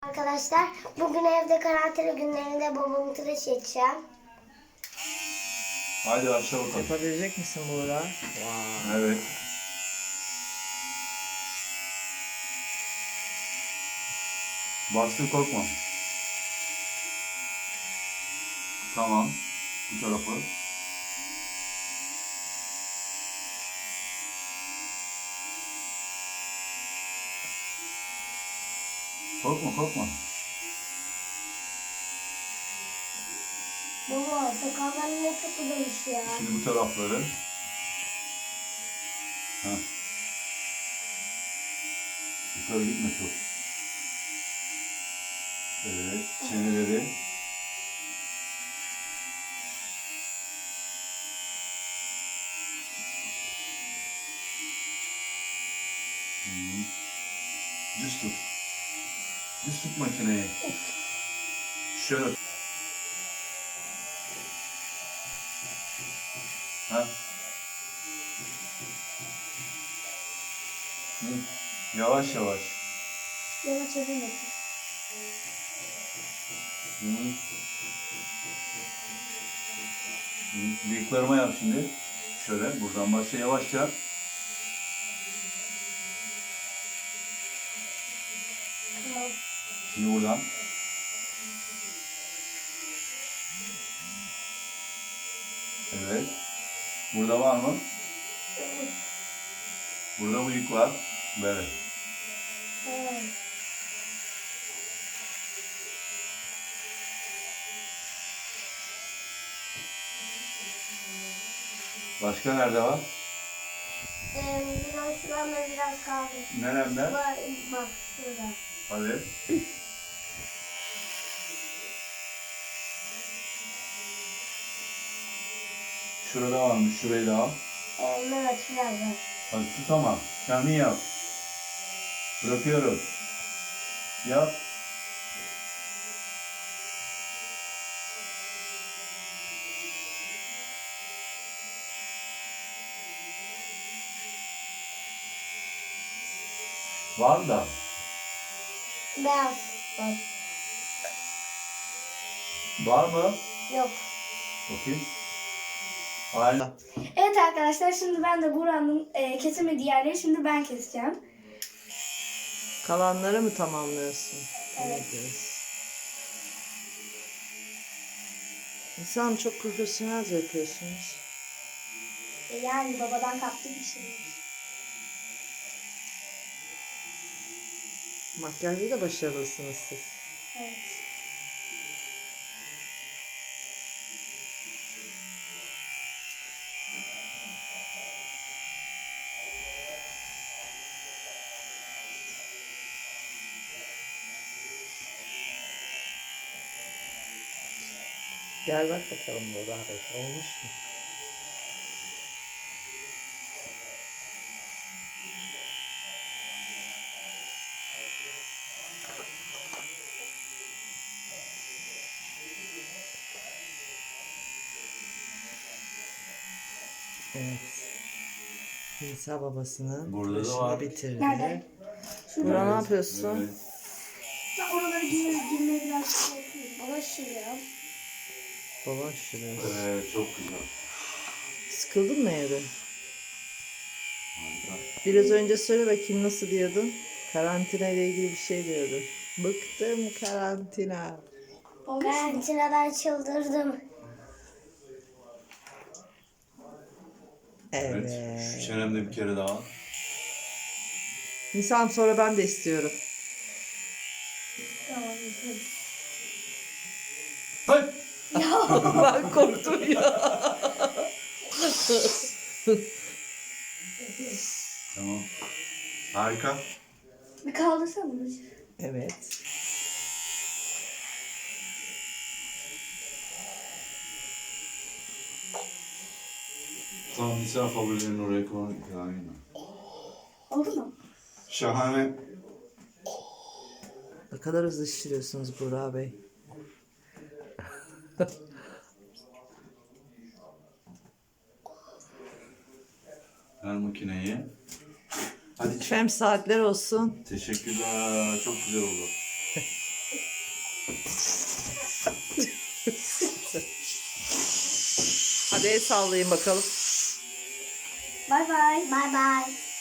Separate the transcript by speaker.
Speaker 1: Arkadaşlar bugün evde karantina günlerinde babamı tıraş edeceğim.
Speaker 2: Hadi başla bakalım.
Speaker 3: Yapabilecek misin Buğra? Wow.
Speaker 2: Evet. Bastır, korkma. Tamam. Bu tarafı. Korkma.
Speaker 1: Baba sakallarım ne çok uzamış ya.
Speaker 2: Şimdi bu tarafları. Heh. Yukarı gitme çok. Evet. Çeneleri. Düz tut. Düz tut makineyi. Şöyle. Ha? Yavaş.
Speaker 1: Yavaş edemedim.
Speaker 2: Bıyıklarıma yap şimdi. Şöyle buradan başla yavaşça.
Speaker 1: Tamam.
Speaker 2: Şimdi buradan. Evet. Burada var mı? Burada bıyık var. Böyle.
Speaker 1: Evet.
Speaker 2: Başka nerede var?
Speaker 1: Biraz şuramda biraz kaldı.
Speaker 2: Neremde?
Speaker 1: Bak şurada.
Speaker 2: Hadi. Şurada varmış. Şurayı da al.
Speaker 1: Evet şurada.
Speaker 2: Hadi tut ama. Kendin yap. Bırakıyorum. Yap. Var da.
Speaker 1: Beyaz. Bak.
Speaker 2: Var mı?
Speaker 1: Yok.
Speaker 2: Bakayım. Aynen.
Speaker 4: Evet arkadaşlar şimdi ben de Buğra'nın kesemediği yerleri şimdi ben keseceğim.
Speaker 3: Kalanları mı tamamlıyorsun?
Speaker 4: Evet.
Speaker 3: İnsan çok profesyonelce yapıyorsunuz.
Speaker 4: Yani babadan kaptığım bir şey.
Speaker 3: Makyajda da başarılısınız siz.
Speaker 4: Evet.
Speaker 3: Gel bak bakalım Buğra Bey. Olmuş mu? Evet. Nisa babasının
Speaker 2: Burada da
Speaker 3: başını
Speaker 2: var.
Speaker 3: bitirdi.
Speaker 4: Nerede?
Speaker 3: Buğra ne yapıyorsun?
Speaker 2: Evet.
Speaker 4: Ben oraları girmeye biraz şey yapıyorum. Baba şuraya.
Speaker 3: Baba şuraya.
Speaker 2: Evet, çok güzel.
Speaker 3: Sıkıldın mı evde?
Speaker 2: Harika.
Speaker 3: Biraz önce söyle bakayım nasıl diyordun? Karantina ile ilgili bir şey diyordun. Bıktım karantina.
Speaker 1: Karantinadan çıldırdım.
Speaker 2: Evet.
Speaker 3: Evet.
Speaker 2: Şu çenemde bir kere daha.
Speaker 3: Nisan sonra ben de istiyorum.
Speaker 4: Tamam.
Speaker 2: Hayır.
Speaker 3: Ben korktum ya.
Speaker 2: Tamam. Harika.
Speaker 4: Bir kaldırsana bunu.
Speaker 3: Evet.
Speaker 2: Tamam, Nisa favorilerini oraya koy. Aynen.
Speaker 4: Oldu mu?
Speaker 2: Şahane.
Speaker 3: Ne kadar hızlı şişiriyorsunuz Buğra Bey.
Speaker 2: Ver makineyi. Hadi çık.
Speaker 3: Efendim saatler olsun.
Speaker 2: Teşekkürler. Çok güzel oldu.
Speaker 3: Hadi el sallayın bakalım.
Speaker 4: Bay bay.
Speaker 1: Bay bay.